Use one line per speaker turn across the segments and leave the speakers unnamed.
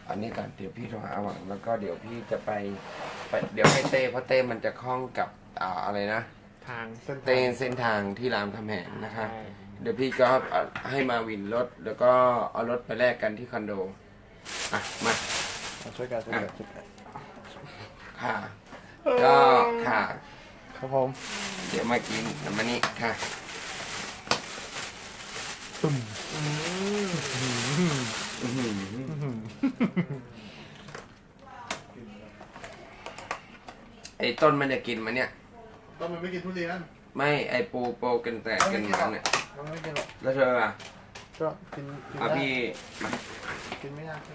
อันนี้ก่อนเดี๋ยวพี่โทรหาหวังแล้วก็เดี๋ยวพี่จะไปเดี๋ยวให้เต้เพราะเต้มันจะคล้องกับอะไรนะ
ทาง
เส้นทางที่รามคำแหงนะคะ
ใช่
เดี๋ยวพี่ก็ให้มาวินรถแล้วก็เอารถไปแลกกันที่คอนโดอ่ะมา
ช่วยกันช่วยกัน
ค่ะก็ค่ะ
ครับผม
เดี๋ยวมากินน้ำมันนี่ค่ะ
ตุ่ม
อื้อหือไอ้ต้นมันจะกินมันเนี่ย
ต้นมันไม่กินทุเรียน
ไม่ไอ้ปูกันแต่กันมันเนี่ย
มันไม่กินหรอก
แล้วเธออ่ะ
ก็กินได้
พี่มา
กินไม่ยาก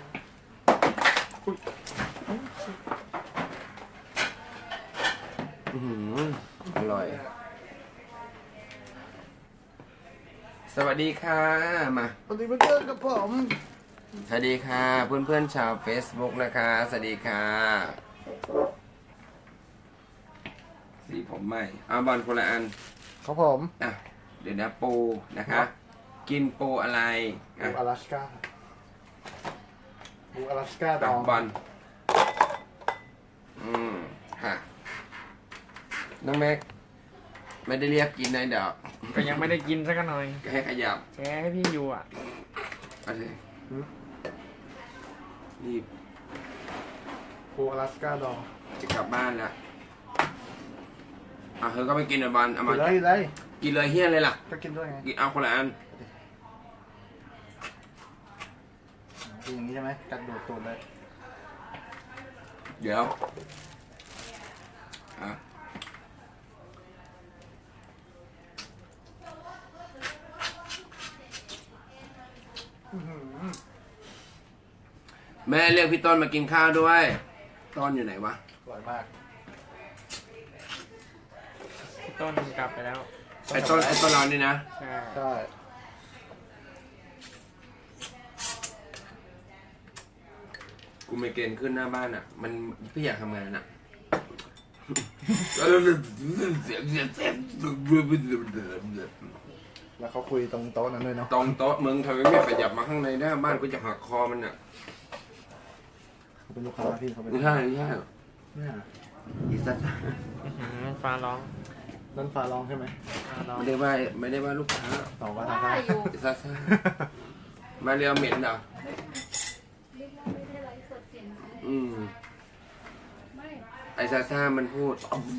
อื้อหืออร่อย สวัสดีค่ะมา
สวัสดีเพื่อนกับผม
สวัสดีค่ะเพื่อนๆชาว Facebook นะคะสวัสดีค่ะสีผมใหม่เอาบอลคนละอัน
ครับผม
อ่ะเดี๋ยวนะปูนะคะ กินปูอะไร
บู
อ่ะ
อลาสก้าบูอลาสก้าดอง
บอลค่ะน้องแม็กไม่ได้เรียกกินนะเดี๋ยว
ก็ยังไม่ได้กินสักหน่อย
ให้ขยับ
แชร์ให้พี่อยู่อ่ะ
เอาสิรีบ
บูอลาสก้าดอง
จะกลับบ้านแล้วเธอก็ไปกินเลยบอลเอา
กิ
มาน
เลยเลย
กินเลยเฮี้ยเลยล่ะ
ก็กินด้วยไง
กินเอาคนละอัน
กินอย่างนี้ใช่ไหมกัดดูดตูดเลย
เดี๋ยวอ่ะแม่เรียกพี่ต้นมากินข้าวด้วย ต้นอยู่ไหนวะ
อร่อยมาก
พี่ต้นกลับไปแล้ว
ไอ้ต้นเรานี่นะ
ใช่
ใช่
กูไม่เกณฑ์ขึ้นหน้าบ้านอ่ะ มันพี่อยากทำงานอ่ะ
แล้วเขาคุยตรงโต๊ะนั้นด้วยเนาะ
ตรงโต๊ะมึงทำไมไม่ขยับมาข้างในหน้าบ้านกูจะหักคอมันอ่ะ
เขาเป็นลูกค้าพี่เขาเป็น
ไม่ใช่ไม่ใช่
เนี่ย
อีสัตว์
ฟ้าร้อง
นั่นฟ้าร้องใช่ไหม
ฟ้าร้อง
ไม่ได้ว่าลูกค้า
ต่อว่าทางได้
อีสัตว์มาเรียวเหม็นเหรอไอ้ซาซ่ามันพูด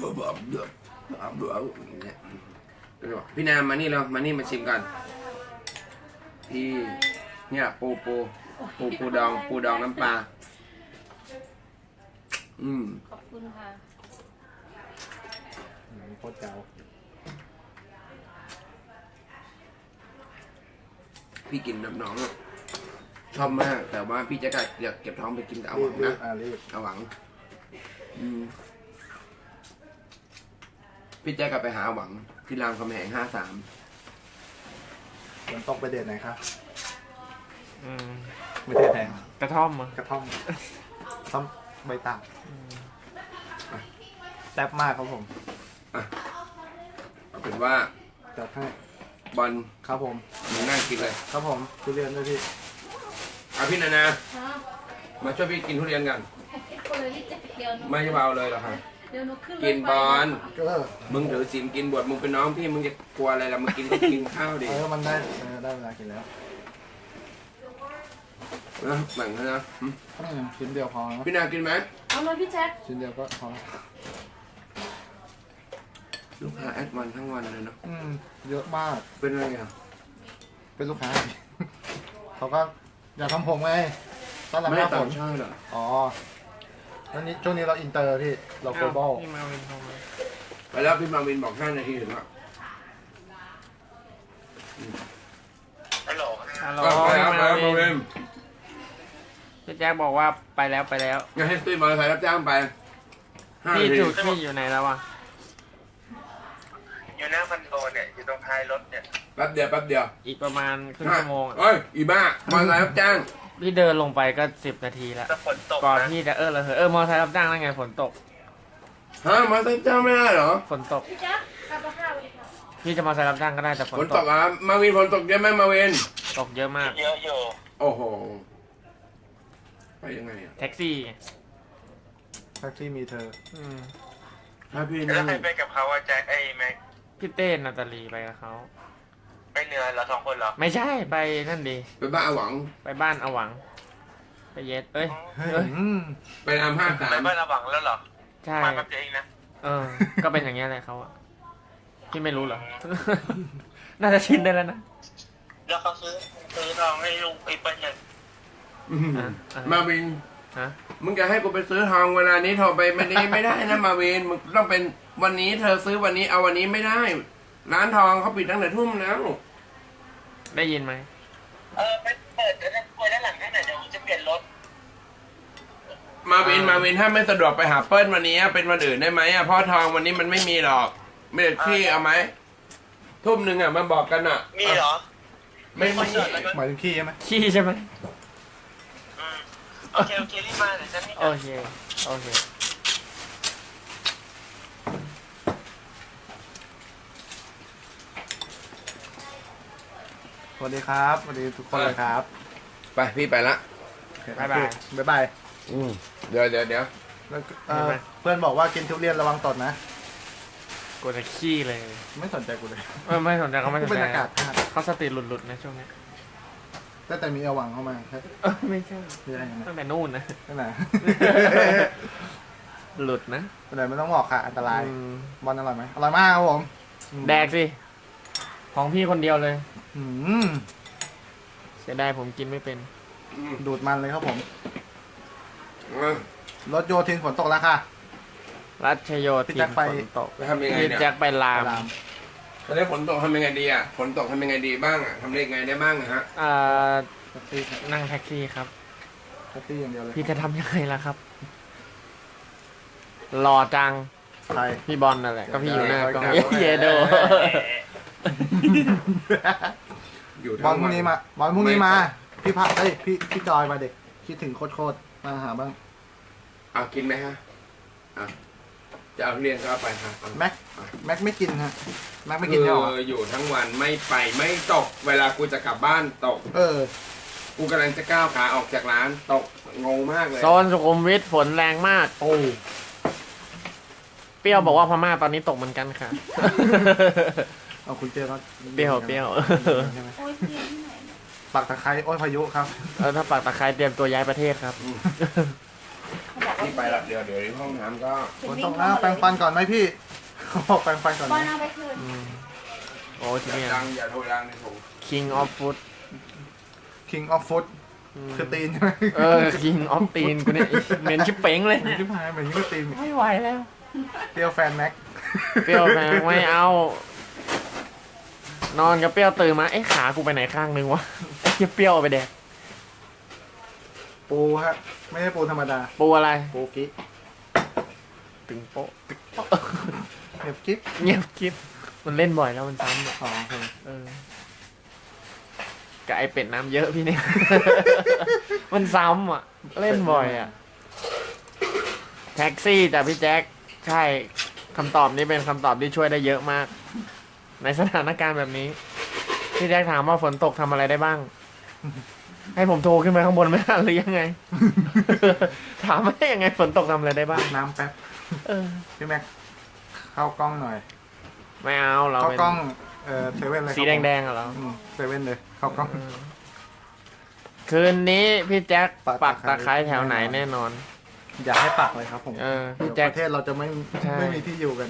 เนี่ยก็เลยบอกพี่นามมานี่เรามานี่มาชิมกันพี่เนี่ยปูดองน้ำปลา
ขอบคุณค่ะ
โคตรเจ๋ว
พี่กินน้ำน้องอะชอบมากแต่ว่าพี่จะอยากเก็บท้องไปกินกับอาหวังนะ
รีบ
อาหวังพี่แจ๊กกลับไปหาอาหวังที่รามคำแหง53
มันต้องไปเดทไหนครับ
อืม
ไม่เดทไหน
กระท่อมอ่ะ
กระท่อมท่อมใบตาลแซ่บมากครับผม
เอาเป็นว่า
จัดให้
บอล
ครับผม
มึงนั่งกินเลย
ครับผมทุเรียนด้วยพี่
เอาพี่นานามาช่วยพี่กินทุเรียนกัน
คนเลยที่จะเดี๋ยวหนู
ไม่เบาเลยหรอกครับ
เดี๋ยวหนูขึ้น
กินบอล
ก็
มึงถือศีลกินบวชมึงเป็นน้องพี่มึงจะกลัวอะไรล่ะมึงกินก็กินข้าวดิ
มันได้ได้เวลากินแล้ว
นะแบ่งให้นะ
ชิ้นเดียวพอนะ
พี่นากินไหม
เอาเลยพี่แจ๊ค
ชิ้นเดียวก็พอ
ลูกค้าแอดวันทั้งวันเลยเนาะ
เยอะมาก
เป็นอะไรอ่ะ
เป็นลูกค้า เขาก็อยากทำผมไงตอนหลัง
ไม่
หน้าฝ
ต่าง
น
ชาติเหรอ
อ๋อแล้วนี้ช่วงนี้เราอินเตอร์พี่เราโกลบอล
พี่มาวินโทรมา
ไปแล้วพี่มาวินบอก5 นาทีถึงแล้ว
ฮัลโหล
ไปแล้ว
พี่
ไป
มา
แล้วมา
วิ
วิ
น
น
พี่แจ๊คบอกว่าไปแล้วไปแล้ว
งั้นให้ตุ้ยมอเตอร์ไซค์รับจ้างไป5
พี่
นาที
จุดพี่อยู่ไหนแล้ววะ
อยู่หน้าคอนโดเนี่ย อยู่ตรงท้ายรถเนี่ย
แป๊บเดียว
อีกประมาณครึ่งชั่วโมงอะ
เอ้ยอีบ้ามอเตอร์ไซค์รับจ้าง
พี่เดินลงไปก็10 นาทีแล้ว
ถ้าฝนตก
ก่อน
นะ
ที่จะระเหยมอเตอร์ไซค์รับจ้างนั่นไงฝนตก
ฮะมอเตอร์ไซค์รับจ้างไม่ได้เหรอ
ฝนตก
พี่แจ๊คกลับมาข้าวเลยค่ะ
พี่จะมอเตอร์ไซค์รับจ้างก็ได้แต่ฝ
ฝ
น
น
ต
ต
ก
กอ่ะมาวินฝนตกเยอะไหมมาวิน
ตกเยอะมาก
เยอะอยู่
โอ้โหไปยังไงอ่ะ
แท็กซี่ไง
แท็กซี่มีเธอ
อืม
ถ้าพี่
แล้
นั่
ว
ง
ใครไปกับเขาอะแจ็คไอ้แม็ก
พี่เต้นาตาลีไปกับเขา
ไปเหนือเรา2 คนเหรอ
ไม่ใช่ไปนั่นดี
ไปบ้านอาหวัง
ไปบ้านอาหวัง ไปเย็ดเอ้ย
เฮ้ย
เอ้ย
ไปราม53
ไปบ้านระวังแล้วเหรอ
ใช่
มากับเจ๊เองนะ
เออ ก็เป็นอย่างเงี้ยเลยเขาอะพี่ไม่รู้เหรอ น่าจะชินได้แล้วนะ
แล้วเขาซื้อทองให้ลุงไอ้เปิ้ลยัง
มาวิน
ฮะ
มึงจะให้กูไปซื้อทองเวลานี้โทรไปไม่ได้นะมาวินมึงต้องเป็นวันนี้เธอซื้อวันนี้เอาวันนี้ไม่ได้ ร้านทองเขาปิดตั้งแต่ทุ่มแล้ว
ได้ยินไหม
ไปเปิดแล้วคุยด้านหลังให้หน่อยเดี๋ยวจะเปลี่ยนรถ
มาวินถ้าไม่สะดวกไปหาเปิ้ลวันนี้เป็นวันอื่นได้ไหมอ่ะเพราะทองวันนี้มันไม่มีหรอกไม่ได้ที่เอาไหมทุ่มหนึ่งอ่ะมาบอกกันอ่ะ
มีเหรอ
ไม่มี
หมายถึงขี้ใช่ไหม
ขี้ใช่ไหม
โอเครีบมาเดี๋ยวฉันนี่
โอเค โอเค
สวัสดีครับสวัสดีทุกคนเลยครับ
ไปพี่ไปละ
บ๊ายบาย
บ๊ายบาย
เดี๋ยว
แล้วเพื่อนบอกว่ากินทุเรียนระวังตดนะ
กูจะขี้เลย
ไม่สนใจกูเลย
ไม่สนใจเขาไม่ส
กู
น
เป็น
ใจ
อากาศธาตุ
เขาสติหลุดๆนะช่วงนี้
แต่มีเอาหวังเข้ามาครับ
ไม่ใช่
คืออะไรนะ
ตั้งแต่นู่นนะ
นั่นไหนะ
หลุดนะ
แต่ไม่ต้องบอกค่ะ อันตราย
อืม
บอลอร่อยไหมอร่อยมากครับผม
แดกสิ ของพี่คนเดียวเลย
อืม
เสียดายผมกินไม่เป็น
ดูดมันเลยครับผม รถโยธินฝนตกแล้วค่ะ
รัชโย
พี่
ธิ
แจ็
น
คไป
ฝนตก
ไปทำยังไง
พี่
เนี่ย
แจ็คไปลาม
ราม
ตอนนี้ฝนตกทำยังไงดีอ่ะฝนตกทำยังไงดีบ้างอ่ะทำได้ยังไงได้บ้างอะฮะ
แท็กซี่ครับ
นั่งแท็กซี่ครับ
แท็กซี่อย่างเดียวเลย
พี่จะทำยังไงล่ะครับ หล่อจัง
ใคร
พี่บอลนั่นแหละ ก็พี่อยู่หน้ากล้อง
เดี๋ยว
เยโด
อยู่
บอ
ทั้
ล
ง
พรุ่
วั
ง
น
นี้มาบอลพรุ่งนี้มา พี่พักพี่จอยมาเด็ก คิดถึงโคตรมาหาบ้าง
เอากินไหมฮะอ่ะจะเอาทุเรียนก็เอาไปฮะเอา
แม็กไม่กินฮะ แม็กไม่กินเนี่ยหรอ
อยู่ทั้งวันไม่ไปไม่ตก เวลากูจะกลับบ้านตก กูกำลังจะก้าวขาออกจากร้านตกงงมากเลย
โซนสุขุมวิทฝนแรงมาก
โอ้
เปรี้ยวบอกว่าพม่าตอนนี้ตกเหมือนกันค่ะ
เอาคุณเจอก็
เปรี้ยว
ใช่ไหม
โอ้ยเรียนที่ไหนเนี่ย
ปักตะไคร้โอ้ยพายุครับ
ถ้าปักตะไคร้เตรียมตัวย้ายประเทศครับ
เขาบอกว่า
ที่ไปละเดี๋ยวที่ห้องน้ำก็
ฝนตกแล้วแปรงฟันก่อนไหมพี่เขาบอกแปรงฟันก่อน
บอล
นะ
เอาไปคืน
โอ้ที่นี่
อย่าโทรดังในถุง
King of Food
King of Food คือตีนใช่ไหม
King of ตีนกูเนี่ยเหม็นชิบเป๋งเลย
ชิบหายเหมือนยิ่งก็ตีน
ไม่ไหวแล้ว
เปรี้ยวแฟนแม็ก
เปรี้ยวแพงไม่เอา นอนกับเปรี้ยวตื่นมาเอ๊ะขากูไปไหนข้างนึงวะไอ้เหี้ยเปรี้ยวเอาไปแดก
ปูฮะ ไม่ใช่ปูธรรมดา
ปูอะไร
ปูกิ๊ก
ตึงโป๊ะ
เห็บกิ๊ก
เงียบกิ๊บมันเล่นบ่อยแล้วมันซ้ำอะ
อ๋อโอเค
กับไอเป็ดน้ำเยอะพี่เนี่ย มันซ้ำอ่ะ เล่นบ่อยอ่ะ แท็กซี่แต่พี่แจ็คใช่คำตอบนี้เป็นคำตอบที่ช่วยได้เยอะมาก ในสถานการณ์แบบนี้ พี่แจ็คถามว่าฝนตกทำอะไรได้บ้าง ให้ผมโทรขึ้นไปข้างบนไหมหรือยังไง ถามว่ายังไงฝนตกทำอะไรได้บ้าง
น้ำแป๊บ
เออ
พี่แม็กเข้ากล้องหน่อย
ไม่เอาเรา
เข้า
เป็น
กล้องเซเว่นเลย
สีแดงๆอะเหรอ
เซเว่นเลยเข้ากล้อง
คืนนี้พี่แจ็ค
ปั
ปัก
ก
ตะ
ตะ
ไค
ไคร้
ร้แถวไหนแน่นอน
อย่าให้ปักเลยครับผม
พี่
เดี๋ยว
แจ็ค
ประเทศเราจะไม่
ใช่
ไม่มีที่อยู่กัน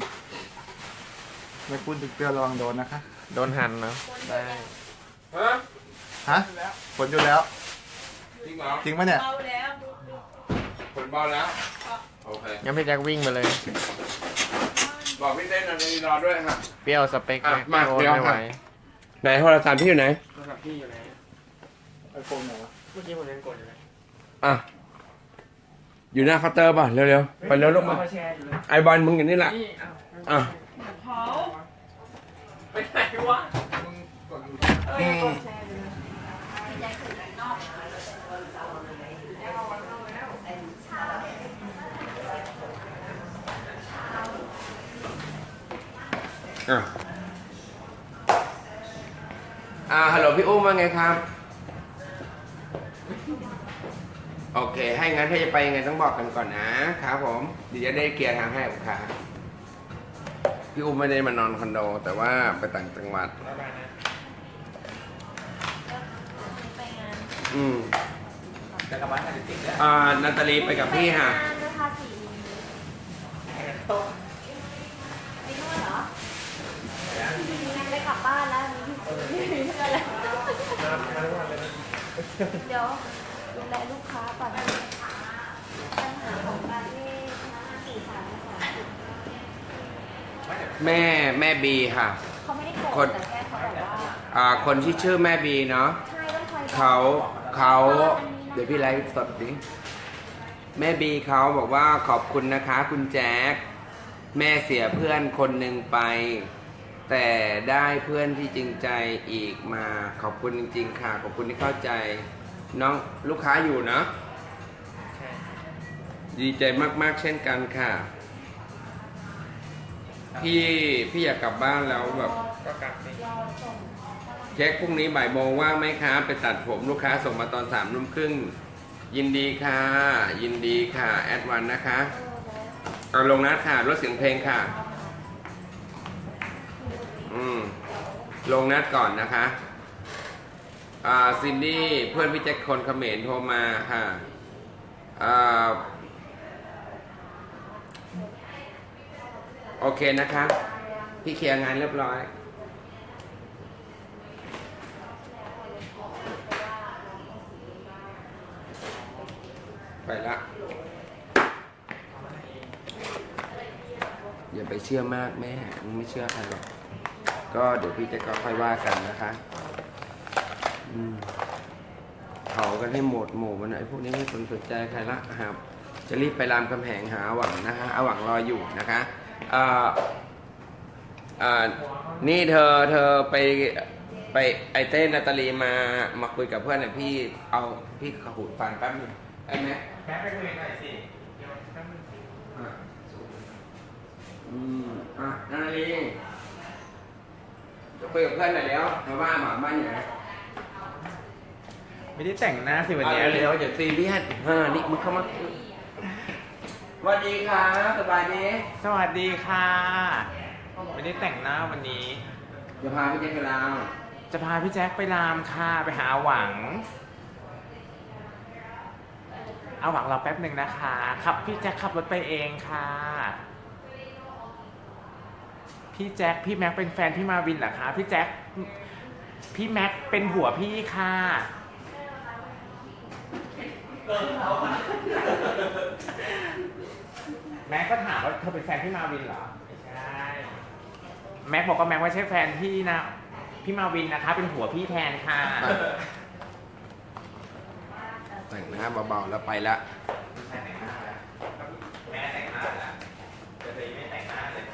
ไม่พูดถึงเปรี้ยวระวังโดนนะคะ
โดนหันเนาะได้
ฮะ
ฮะฝนอยู่แล้ว
จริงเหรอ
จริงปะเนี่ย
เบาแล้ว
ฝนเบาแล้วโอเค
งั้นพี่แจ็ควิ่งไปเลย
บอกพี่เต้นในรอด้วยฮะ
เปรี้ยวสเปค
อ่ะ
ไหม
มา
โอ้
เดี๋ยว
ไม่ไหว
ไหนโทรศัพท์พี่อยู่ไหน
โทรศัพท์พี่อยู่ไหน
ไอโฟนไหนวะ
เมื่อกี้ผมยังกดอยู่เลย
อ่ะอยู่หน้าเคาน์เตอร์ป่ะเร็วๆไปเร็วลูกมา
แชร์อยู่เลย
ไอบอลมึงอย่างนี้แหละ
นี่
อ่ะ
เขา
ไปไหนวะ
อืมฮัลโหลพี่อุ้มว่าไงครับโอเค ให้งั้นถ้าจะไปยังไงต้องบอกกันก่อนนะครับผมเดี๋ยวจะได้เคลียร์ทางให้ลูกค้าพี่อุ้มไม่ได้มานอนคอนโด แต่ว่าไปต่างจังหวัด
ไปงาน
อืม
จะกลับบ้านกันจริงๆเนี่ย
นาตาลีไปกับพี่ค่ะ
ไปงานราคา4ไปนวดเหรอไปกลับบ้านแล้วไม่มีเพื่อนแล้วเดี๋ยวดูแลลูกค้าก่อนปัญหาของการที่4 3
แม่บีค่ะ
เขาไม่ได้โกรธแต่แค่เขาแบบว่า
คนที่ชื่อแม่บีเนาะ
ใช่ต้องคอย
เขาเดี๋ยวพี่ไลฟ์สดดิแม่บีเขาบอกว่าขอบคุณนะคะ คุณแจ๊คแม่เสียเพื่อนคนหนึ่งไป แต่ได้เพื่อนที่จริงใจอีกมาขอบคุณจริงๆค่ะขอบคุณที่เข้าใจน้องลูกค้าอยู่เนาะดีใจมากๆเช่นกันค่ะพี่อยากกลับบ้านแล้วแบบเช็คพรุ่งนี้บ่ายโมงว่างไหมคะไปตัดผมลูกค้าส่งมาตอน3:30ยินดีค่ะยินดีค่ะแอดวันนะคะเอาลงนัดค่ะลดเสียงเพลงค่ะลงนัดก่อนนะคะซินดี้เพื่อนพี่แจ็คคนเขมรโทรมาค่ะโอเคนะคะพี่เคลียร์งานเรียบร้อยไปละอย่าไปเชื่อมากแม่มึงไม่เชื่อใครหรอกก็เดี๋ยวพี่จะก็ค่อยว่ากันนะคะเผากันให้หมดหมู่มันไอ้พวกนี้ไม่สนใจใครละครับจะรีบไปรามคำแหงหาหวังนะคะเอาหวังรออยู่นะคะนี่เธอไปไอเต้นาตาลีมาคุยกับเพื่อนหน่อยพี่ขหูดฟันแป๊บนึงไอ้แม่ไปคุยหน่อยสิเดี๋ยวแป๊บนึงนาตาลีจะคุยกับเพื่อนหน่อยแล้วมาบ้านอยู่ไหน
ไม่ได้แต่งหน้าสิวันนี้
เร็วอย่าซีเรียสนี่มึงเข้ามาสวัสดีครับสบายดี
สวัสดีค่ะไม่ได้แต่งหน้าวันนี้
จะพาพี่แจ็คไปลาว
จะพาพี่แจ็คไปรามค่ะไปหาหวังเอาหวังเราแป๊บหนึ่งนะคะขับพี่แจ็คขับรถไปเองค่ะพี่แจ็คพี่แม็กเป็นแฟนพี่มาวินเหรอคะพี่แจ็คพี่แม็กเป็นผัวพี่ค่ะแม็กก็ถามว่าเธอเป็นแฟนพี่มาวินเหรอไม่ใช่แม็กบอกว่าแม็กไม่ใช่แฟนพี่นะพี่มาวินนะคะเป็นผัวพี่แทนค่ะ
แต่งหน้าเบาๆแล้วไปละ
แม่แต่งหน้าแล้วแม่แต่งหน้าแล้วแต่ตัวเองไม่แต่งหน้าเลย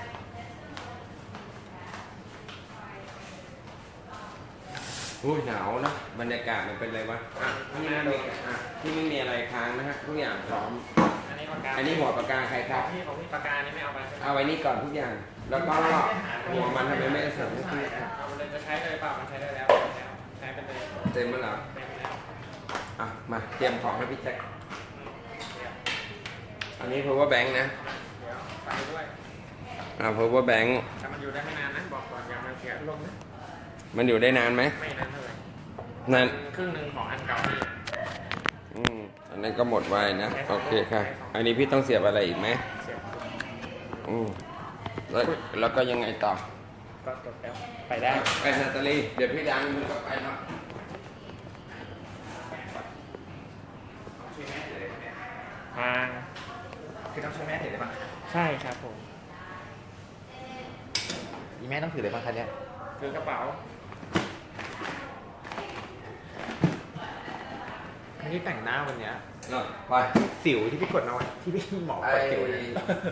หนาวนะบรรยากาศมันเป็นไรวะที่ไม่มีอะไรค้างนะฮะทุกอย่างพร้อม อันนี้หัวปากกาใครครับ
พี่ของพี่ปากกานี่ไม่เอาไปใช่ไหม
เอาไว้นี่ก่อนทุกอย่าง แล้วก็หัวมันทำไมไม่ใส่ให้พี่
เอาไปเลยจะใช้เลยเปล่ามันใช้ได้แล้วใช้ไปเลย
เต็มแล้วเหรอ
เต็มแล้ว
มาเตรียมของให้พี่แจ็คอันนี้ power bank นะ
เดี๋ยวไปด้วย
power bank
แต่มันอยู่ได้ไม่นานนะบอกก่อนอย่ามาเสียลมนะ
มันอยู่ได้นานไหม
ไม่นานเท่าไหร่
นาน
ครึ่งหนึ่งของอันเก่านี่
อันนั้นก็หมดไวนะโอเคค่ะ อันนี้พี่ต้องเสียบอะไรอีกไหม
เสียบ
แล้วก็ยังไงต่อ
ก็จบแล้วไปได้
ไปนาตาลีเดี๋ยวพี่ดังมึงก็ไปเนาะ
ทางคือต้องช่วยแม่ถือได้ปะใช่ครับผมอีแม่ต้องถือเลยปะคะเนี่ยถือกระเป๋าไม่ได้แต่งหน้าวันเนี้ย
ไป
สิวที่พี่กดเอาไว้ที่พี่หมอกดสิวเนี่ย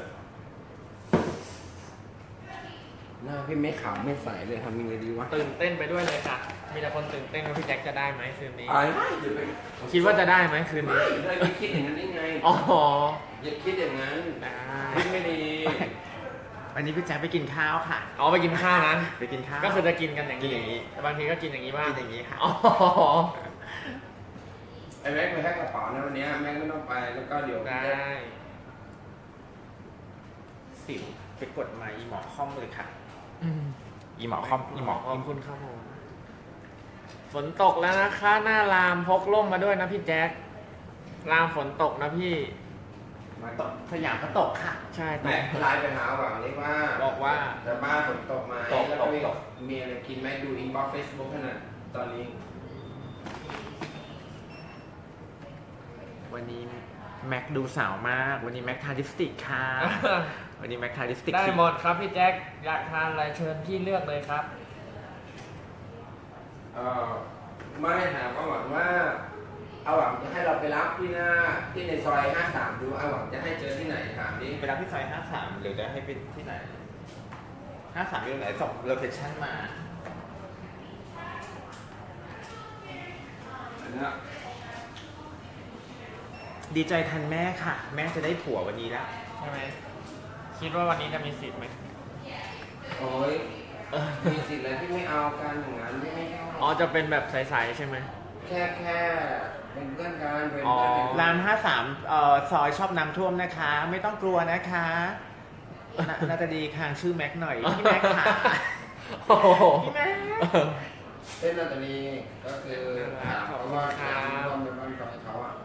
หน้าพี่ไม่ขาวไม่ใสเลยทำยังไงดีวะ
ตื่นเต้นไปด้วยเลยค่ะ มีแต่คนตื่นเต้นว่าพี่แจ็คจะได้ไหมคืนนี้
อย่าไป
คิดว่าจะได้ไหมคืนนี้
อย่าคิดอย่างนั้นได้ไง
อ๋อ
อย่าคิดอย่างนั้น
ได้
คิดไม่ดี
วันนี้พี่แจ็คไปกินข้าวค่ะ อ๋อไปกินข้าวนะ ไปกินข้าว ก็คือจะกินกันอย่างนี้แต่บางทีก็กินอย่างนี้บ้างกินอย่างนี้ค่ะ อ๋อ
ไอ้แม็กไปแค่กระเป๋านะวันนี้แม็กไม่ต้องไปแล้วก็เดี๋ยว
ได้
สิวไปกดมาอีหมอคอมเลยค่ะ
อืม
อีหมอคอมอีหมอ
ขอบคุณครับผมฝนตกแล้วนะคะหน้ารามพกร่มมาด้วยนะพี่แจ็ครามฝนตกนะพี่
มา
ตกสยามก็ตกค่ะ
ใช่ต
แม็
ก
กไลน์ไปหาหวังนี่ว่า
บอกว่า
จะบ้านฝนตกไหม
ตก
แล้วก็
ตก
มีอะไรกินไหมดูอินบ็อกซ์เฟซบุ๊กขนาดตอนนี้
วันนี้แม็กดูสาวมาก วันนี้แม็กทาลิปสติกค่ะ วันนี้แม็กทาลิปสติก
ได้
สี
หมดครับพี่แจ็คอยากทานอะไรเชิญพี่เลือกเลยครับ
ไม่ถามเอาหวังว่าเอาหวังจะให้เราไปรับที่หน้าที่ในซอย 53 ดูเอาหวังจะให้เจอที่ไหนถามดิ
ไปรับที่ซอย53หรือจะให้เป็นที่ไหน53อยู่ไหนส่งโลเคชั่นมา
อันเนี้ย
ดีใจทันแม่ค่ะ แม่จะได้ผัววันนี้แล้ว
ใช่ไหมคิดว่าวันนี้จะมีสิทธิ์ไหม
โอ้ยมีสิทธิ์อะไรที่ไม่เอากันอย่างนั้นที่ไม่เอา
อ๋อจะเป็นแบบใสๆใช่ไหม
แค่เป็นเพื่อนกันเป็น
อ๋อ
เพื่อนกัน
ราม53ซอยชอบน้ำท่วมนะคะ ไม่ต้องกลัวนะคะน่าจะดีค่ะชื่อแม็กหน่อยพี่แม็กค่ะ
โอ้โห
พี่แม็ก
เส้นนาตาลีก็คือถามเขาว่าถามความเป็นบ้านของเขาอ่ะ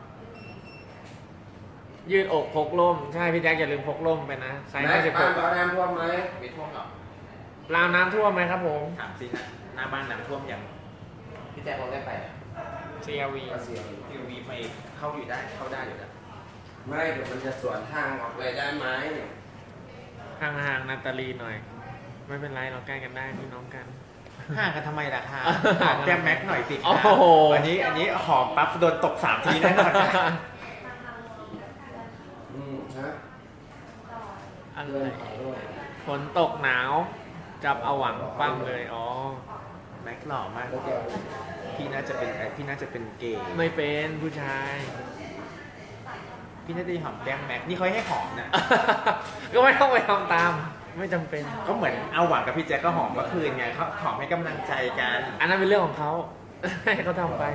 ยืดอกพกร่มใช่พี่แจ็คอย่าลืมพกร่มไปนะไซส์
แม็กบ้านเขา
56
น้ำท่วมไหม
มีท่วมหรอ
ราวน้ำท่วมไหมครับผม
ถามสินะหน้าบ้านน้ำท่วมยังพี่แจ๊คเราได้ไป
CRV
ก็เสียง
พี่วีไปเข้าอยู่ได้เข้าได้อยู่แล้ว
ไม่เดี๋ยวมันจะสวนทางออกเลยได้ไหม
ห่างๆนาตาลีหน่อย ไม่เป็นไรเราใกล้กันได้พี่น้องกัน
ห่างกันทำไมล่ะคะ
ห่างกัน
แก้มแม็กหน่อยสิ
โอ้
คะ
โห
อันนี้หอมปั๊บโดนตก3 ทีแน่นอนค่ะ
ฮะ
อะไร
เรื่องขอด้วย
ฝนตกหนาว จับเอาหวังปั้มเลยอ๋อ
แม็กหล่อมาก
แล้วแก
พี่น่าจะเป็นเกย์
ไม่เป็นผู้ชาย
พี่น่าจะหอมแก้มแม็กนี่เขาให้หอมนะ
ก็ไม่ต้องไปทำตาม ไม่จำเป็น
ก็เหมือนเอาหวังกับพี่แจ๊คก็หอมเมื่อคืนไงเขาหอมให้กำลังใจกัน
อันนั้นเป็นเรื่องของเขา ให้เขาทำไป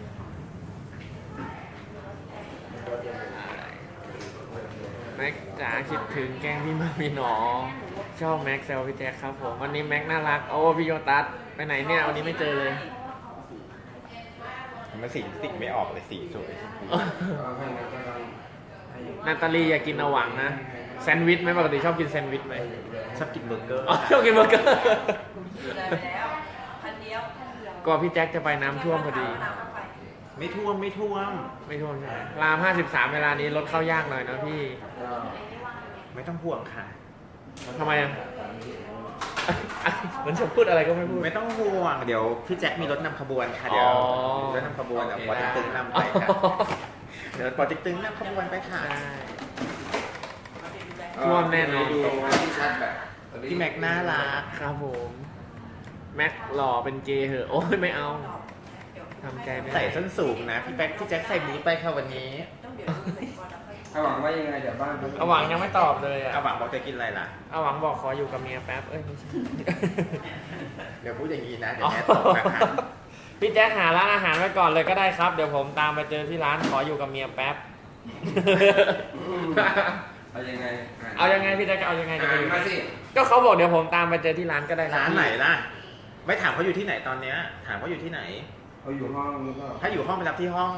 แม็กจ๋าคิดถึงแกล้งพี่มามีหนอ ชอบแม็กแซวพี่แจ็คครับผม วันนี้แม็กน่ารัก โอ้พี่โยตัสไปไหนเนี่ยวันนี้ไม่เจอเลย
มันสีติกไม่ออกเลยสีสวย
ให้มันก็ต้องให้
นาตาลีอยากกินเอาหวังนะ แซนด์วิชไหมปกติชอบกินแซนด์วิชไหม
ชอบกินเบอร์เกอร์
อ๋อชอบกินเบอร์เกอร์
เลยไปแล้วพันเดียว
ก็พี่แจ็คจะไปน้ำท่วมพอดี
ไม่ท่วม
ไม่ท่วมใช่ไหมราม 53 เวลานี้รถเข้ายากหน่อยนะพี่
ก็
ไม่ต้องห่วงค่ะ
ทำไมอ่ะ เหมือนจะพูดอะไรก็ไม่พูด
ไม่ต้องห่วง เดี๋ยวพี่แจ็คมีรถนำขบวนค่ะ เดี๋ยว
อ๋อ
รถนำขบวนเดี๋ยวปอติ๊กตึงนำไปค่ะ เดี๋ยวปอติ๊กตึงนำขบวนไปค่ะ
ได้ ท่วมแน่นอน
ดูที่ชัดแบบ
พี่แม็กน่ารัก
ครับผม แม็กหล่อเป็นเกย์เหอะ โอ้ยไม่เอา ทำใจไม่ได้
ใส่ส้นสูงนะ พี่แจ็คใส่นี้ไปค่ะวันนี้
เขาหวังว่ายังไงเดี๋ยวบ้าน
เอาหวังยังไม่ตอบเลยอ่ะ
เอาหวังบอกจะกินอะไรล่ะ
เอาหวังบอกขออยู่กับเมียแป๊บ เอ้ยไม่ใช่
เดี๋ยวพูดอย่างนี้นะ เดี๋ยวแม่ตกนะคะ
พี่แจ๊คหาร้านอาหารไว้ก่อนเลยก็ได้ครับ เดี๋ยวผมตามไปเจอที่ร้านขออยู่กับเมียแป๊บ
เอายังไง
เอายังไงพี่แจ๊คจะเอายังไงจะไปอยู่
มาสิ
ก็เขาบอกเดี๋ยวผมตามไปเจอที่ร้านก็ได้คบ
ร้านไหนล่ะ ไม่ถามเขาอยู่ที่ไหนตอนเนี้ย ถามเขาอยู่ที่ไหน
เขาอยู่ห้องหรือเปล่า
ถ้าอยู่ห้องไปรับที่ห้อง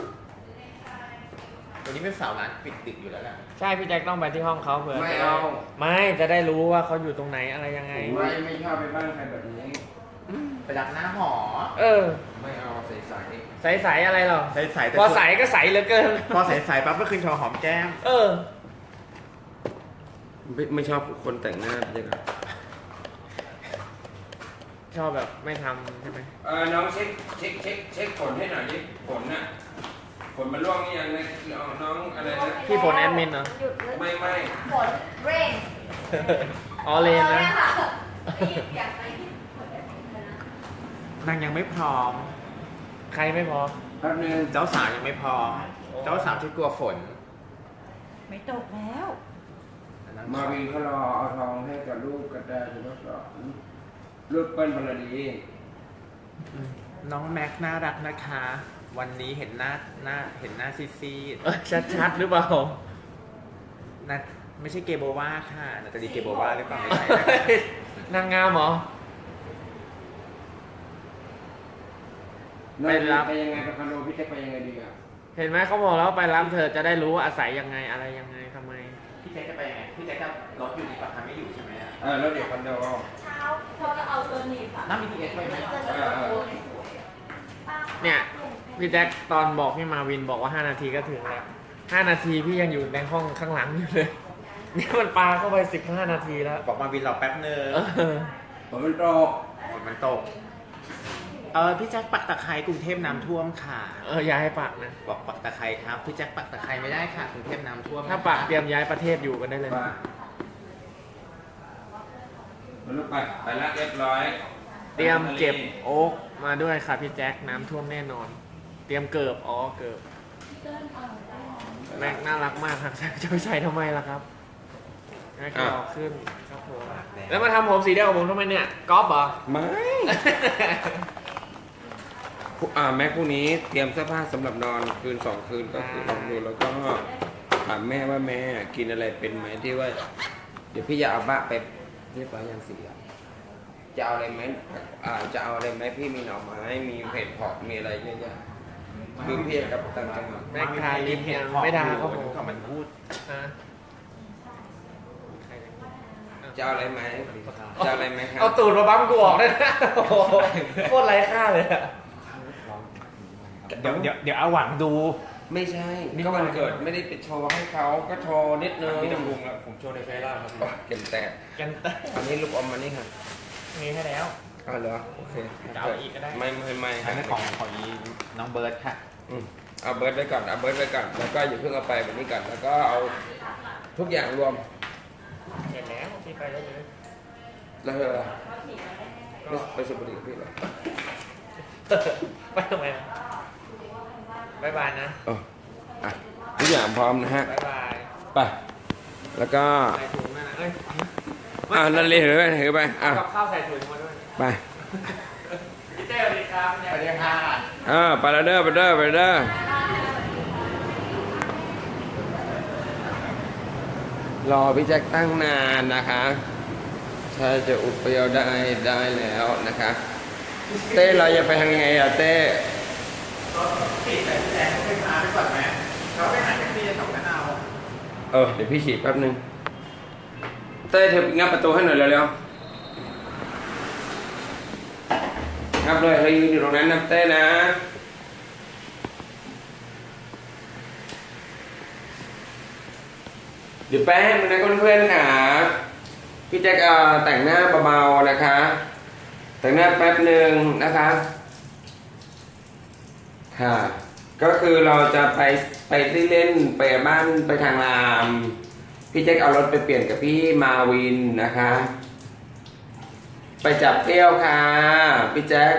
วันนี้เป็นเสาร์ร้านปิดดึกอยู่แล้วล่ะ
ใช่พี่แจ็คต้องไปที่ห้องเขาเผื่อ
ไม่เอา
ไม่จะได้รู้ว่าเขาอยู่ตรงไหนอะไรยังไง
ผมไม่ชอบไปบ้านใครแบบนี้
ไปรับหน้าหอ
เออ
ไม่เอาใส
ใสๆอะไรหรอ
ใส่แต่
พอใสก็ใสเหลือเกิน
พอใส่ปั๊บก็คืนโชว์หอมแก้ม
เออ
ๆไม่ชอบคนแต่งหน้าเลยครับ
ชอบแบบไม่ทำใช่ไหม
น้องเช็คฝนให้หน่อยดิฝนน่ะฝนมันร่วงหรือยังนะน้องอะไรนะ
พี่ฝนแอดมินเหรอ
หยุดเลย
ไม่
ฝนเร่ง
ออเลนนะ
ได้ยินเสียงไหมที่ฝนเร่งนะ
นางยังไม่พร้อม
ใครไม่พอ
แป๊บนึง
เจ้าสาวยังไม่พร้อม เจ้าสาวที่กลัวฝน
ไม่ตกแล้ว
มาวินเขารอเอาทองให้กับลูกกระแตจะทดสอบลูกเปิ้ลพลดี
น้องแม็กน่ารักนะคะวันนี้เห็นหน้าซีด
ชัดๆหรือเปล่า
ๆนะไม่ใช่เกโบวาค่ะนาตาลีเกโบวาหรือเปล่าไม่ใช่นะ
นางงามเหรอ ไปรับ
ไปยังไงไปคอนโดพี่แจ็คไปยังไงดีอ่ะ
เห็นไหมเขาบอกแล้วไปรับเธอจะได้รู้ว่าอาศัยยังไงอะไรยังไงทำไม
พี่แจ๊คจะไปยังไงพี่แจ๊คจะรถอยู่ดีปะคะไม่อยู่ใช่ไหมอะ
แล้วเดี๋ยวคอนโด
เช้าเขาจะเอาตัวหนีบอะ
นั่ง BTS ไปไหม
จะโดนสวยป้า
เนี่ยพี่แจ็คตอนบอกพี่มาวินบอกว่า5 นาทีก็ถึงแล้ว5 นาทีพี่ยังอยู่ในห้องข้างหลังอยู่เลย นี่มันปาเข้าไป15 นาทีแล้ว
บอกมาวินรอแป๊บนึง
เออ
ผมมันตก
ฝนมันตกพี่แจ๊คปักตะไคร้กรุงเทพน้ำท่วมค่ะ
อย่าให้ปากนะ
บอกปักตะไคร้ครับพี่แจ็คปักตะไคร้ไม่ได้ค่ะกรุงเทพน้ำท่วม
ถ้าปากเตรียมย้ายประเทศอยู่กันได้เลย
ไปมันลุกไปละเรียบร้อย
เตรียมเก็บโอ๊กมาด้วยค่ะพี่แจ็คน้ำท่วมแน่นอน เตรียมเกิบเกิบแม็กน่ารักมากครับจะไปใส่ทำไมล่ะครับแม็กหล่อขึ้นครับผมแล้วมาทำผมสีเดียวกับผมทำไมเนี่ยก๊อฟเหรอ
ไม่ แม็กพวกนี้เตรียมเสื้อผ้าสำหรับนอนคืน2 คืนก็คือลองดูแล้วก็ถามแม่ว่าแม่กินอะไรเป็นไหมที่ว่า เดี๋ยวพี่จะเอาบ้าไปเรียบร้อยยังสีอ่ะจะเอาอะไรไหมจะเอาอะไรไหมพี่มีหน่อไม้มีเผ็ดเผาะมีอะไรเยอะแยะคือพี่กับต่างจังหวัด
แม็กทาลิปยังไม่ด่าเขาผม
ก็มันพูด
ฮะ
จะเอาอะไรไหมจะเอาอะไรไหมครับ
เอาตูดมาบั๊มกูออกได้นะโอ้โหโคตรไร้ค่าเลยอะ
เดี๋ยวเอาหวังดู
ไม่ใช่ก็วันเกิดไม่ได้ไปโชว์ให้เขาก็โชว์นิดนึง
พี่ต้องลุงแล้วผมโชว์ในเฟซแล้วครับ
โอ้เก็บแต่
กันเต้
อันนี้ลูกอมมันนี่ค่ะ
มีให้แล้ว
เหรอโอเค
จะเอาอีกก็ได้
ไม่
อันนั้นของน้องเบิร์ดค่ะ
เอาเบิร์ดไว้ก่อนเอาเบิร์ดไว้ก่อนแล้วก็อย่าเพิ่งเอาไปแบบนี้ก่อนแล้วก็เอาทุกอย่างรวม
เสร็จแล้วพี่ไปได้เลย
แล้วเธอไปสุพรรณกับพี่เหรอ
ไปทำไมบายบายนะ
อ่ะทุกอย่างพร้อมนะฮะ
บายบาย
ไปแล้วก็
ใส่ถุงมานะเอ้ย
นั่นเลยถือไป
กับข้าวใส่ถุงมาด้วย
ไป
พี่เต้สวัสดีครับ
สวัสดีค่ะ
ไปแล้วเด้อไปเด้อรอพี่แจ็คตั้งนานนะคะถ้าจะอุปยอได้แล้วนะคะเต้เราจะไปทางยังไงอะเต้
ปิดแต่แจ๊คไปพาไปก่อนไหมเขาไปหาแท็กซี่จะส่งกันเอา
เดี๋ยวพี่ฉีดแป๊บนึงเต้เธองับประตูให้หน่อยเร็วๆงับเลยเธอยืนอยู่ตรงนั้นนะเต้นะเดี๋ยวแป๊บนึงนะเพื่อนๆค่ะพี่แจ็คแต่งหน้าเบาๆนะคะ แต่งหน้าแป๊บหนึ่งนะคะค่ะ ก็คือเราจะไปเล่นไปบ้านไปทางรามพี่แจ็คเอารถไปเปลี่ยนกับพี่มาวินนะคะ ไปจับเที่ยวค่ะพี่แจ็ค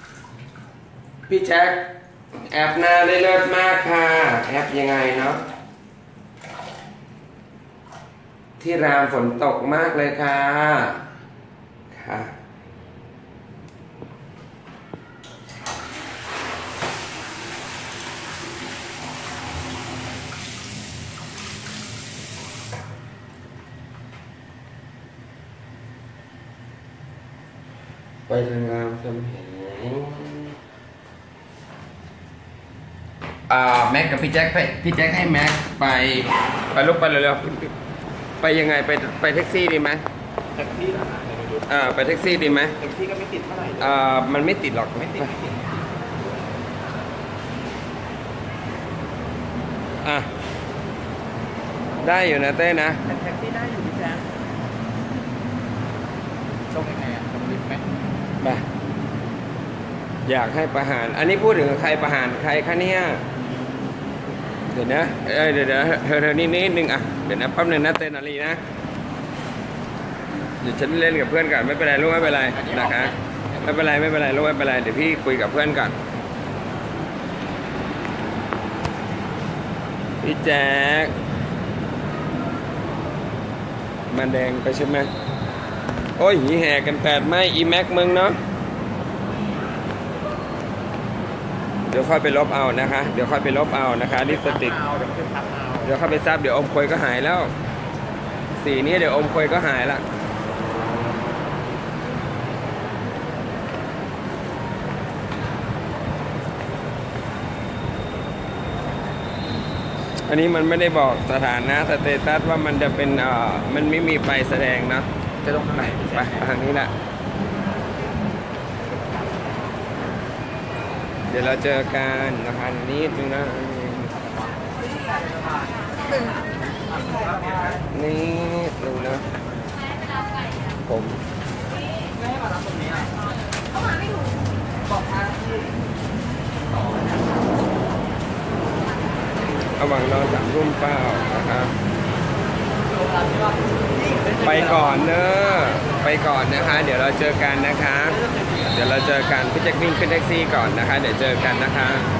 แอปหน้าได้เลิศมากค่ะแอปยังไงเนาะที่รามฝนตกมากเลยค่ะค่ะไปทางรามคำแหงแม็กกับพี่แจ็คให้แม็กไปลุกไปเร็วๆไปยังไงไปแท็กซี่ดีไหม
แท็กซี่เหรอคะเดี๋ยวดู
ไปแท็กซี่ดีไหม
แท็กซี่ก็ไม่ติดเท่าไหร่
มันไม่ติดหรอก
ไม่ติด
ได้อยู่นะเต้นะ
แท็กซี่ได้อยู่พี่แจ๊คส่งยังไงอ่ะส่งลิฟต์ไหม
ไปอยากให้ประหาร อันนี้พูดถึงใครประหารใครคะเนี่ยเดี๋ยวนะเดี๋ยวเธอนิดนึงเดี๋ยวนะแป๊บนึงนะเต้นนาลีนะเดี๋ยวฉันเล่นกับเพื่อนก่อนไม่เป็นไรลูกไม่เป็นไรนะคะไม่เป็นไรลูกไม่เป็นไรเดี๋ยวพี่คุยกับเพื่อนก่อนพี่แจ๊คมันแดงไปใช่ไหมโอ้ยหีแห่กัน8 ไม่อีแม็กมึงเนาะเดี๋ยวค่อยไปลบเอานะคะ เดี๋ยวค่อยไปลบเอานะคะลิปสติก
เอาเดี๋ยวขึ้นทับเอา
เดี๋ยวเข้าไปซับเดี๋ยวอมควยก็หายแล้ว สีนี้เดี๋ยวอมควยก็หายละอันนี้มันไม่ได้บอกสถานะสเตตัสว่ามันจะเป็นมันไม่มีไฟแสดงนะ
จะต้องไหน
ไปทางนี้แหละเดี๋ยวเราเจอกันนะคะนิดนึงนะนี่ดูนะผมระหว่างรอ3 ทุ่มเปล่านะครับไปก่อนเนอะไปก่อนนะคะ เดี๋ยวเราเจอกันนะคะ เดี๋ยวเราเจอกันพี่แจ็ควิ่งขึ้นแท็กซี่ก่อนนะคะ เดี๋ยวเจอกันนะคะ